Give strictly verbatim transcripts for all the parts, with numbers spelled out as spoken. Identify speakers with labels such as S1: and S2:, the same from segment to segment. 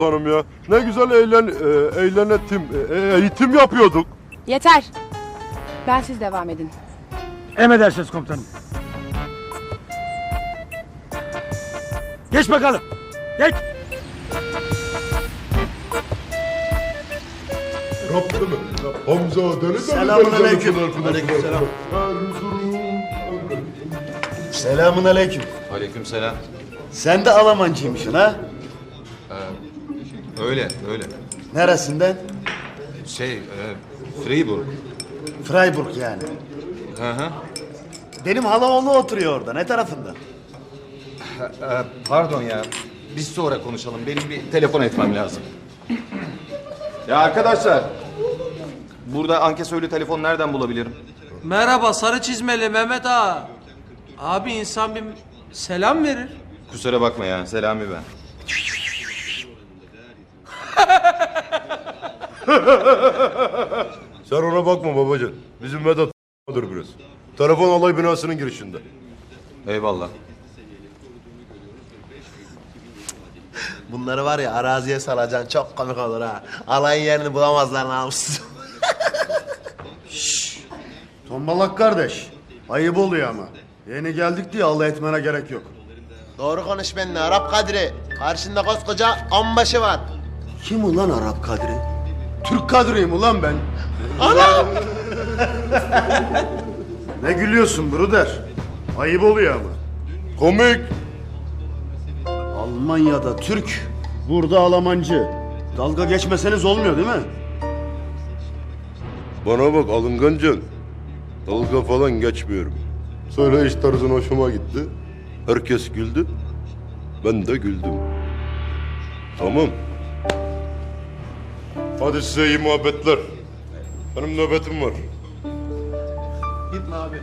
S1: Hanım ya. Ne güzel eğlen, e, eğlenetim, e, eğitim yapıyorduk.
S2: Yeter. Ben siz devam edin.
S3: Emredersiniz komutanım. Geç bakalım. Geç.
S1: Rabbim, Hamza deli deli.
S4: Selamünaleyküm. Aleykümselam. Selamünaleyküm.
S5: Aleykümselam.
S4: Sen de Almancıymışsın ha?
S5: Öyle, öyle.
S4: Neresinden?
S5: Şey, e, Freiburg.
S4: Freiburg yani.
S5: Hı hı.
S4: Benim halaoğlu oturuyor orada. Ne tarafında?
S5: E, pardon ya. Biz sonra konuşalım. Benim bir telefon etmem lazım. Ya arkadaşlar. Burada ankesörlü telefon nereden bulabilirim?
S6: Merhaba sarı çizmeli Mehmet ağa. Abi insan bir selam verir.
S5: Kusura bakma ya. Selami ben.
S1: Sen ona bakma babacığım. Bizim Vedat dur biraz. Telefon alay binasının girişinde.
S5: Eyvallah.
S7: Bunları var ya araziye salacaksın çok komik olur ha. Alayın yerini bulamazlar namussuz.
S4: Tombalak kardeş. Ayıp oluyor ama. Yeni geldik diye alay etmene gerek yok.
S7: Doğru konuş benimle Arap Kadri. Karşında koskoca onbaşı var.
S4: Kim ulan Arap Kadri? Türk Kadri'yim ulan ben.
S7: Ana!
S4: Ne gülüyorsun bruder? Ayıp oluyor ama.
S1: Komik.
S4: Almanya'da Türk, burada Almancı. Dalga geçmeseniz olmuyor değil mi?
S1: Bana bak alıngancın. Dalga falan geçmiyorum. Söyleyiş tarzın hoşuma gitti. Herkes güldü. Ben de güldüm. Tamam. Hadi size iyi muhabbetler. Benim nöbetim var.
S7: Gitme abi.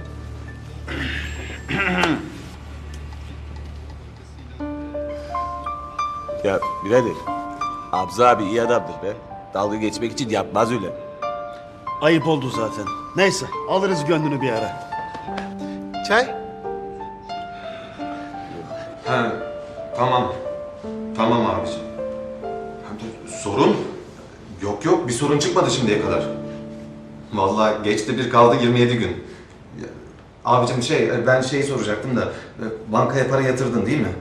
S8: Ya birader, Abza abi iyi adamdır be. Dalga geçmek için yapmaz öyle.
S4: Ayıp oldu zaten. Neyse alırız gönlünü bir ara.
S7: Çay?
S5: Ha, tamam. Tamam abiciğim. Sorun? Yok yok bir sorun çıkmadı şimdiye kadar. Vallahi geçti bir kaldı yirmi yedi gün. Ya, abicim şey ben şeyi soracaktım da bankaya para yatırdın değil mi?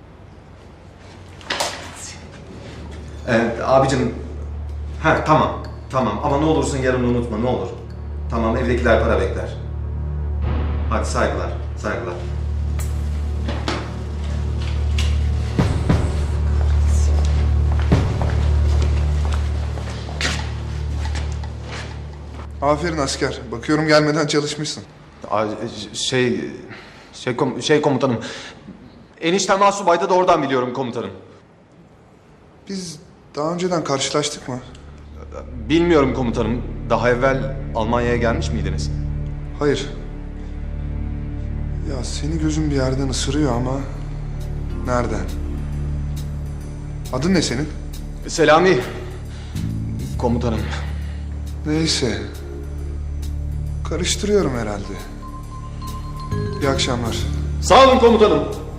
S5: Evet abicim. Ha tamam. Tamam ama ne olursun yarın unutma ne olur. Tamam evdekiler para bekler. Hadi saygılar. Saygılar.
S9: Aferin asker. Bakıyorum gelmeden çalışmışsın.
S5: Ay, Şey, şey, kom- şey komutanım. Eniştem Asubay'da da oradan biliyorum komutanım.
S9: Biz daha önceden karşılaştık mı?
S5: Bilmiyorum komutanım. Daha evvel Almanya'ya gelmiş miydiniz?
S9: Hayır. Ya seni gözüm bir yerden ısırıyor ama... Nereden? Adın ne senin?
S5: Selami. Komutanım.
S9: Neyse. Karıştırıyorum herhalde. İyi akşamlar.
S5: Sağ olun komutanım.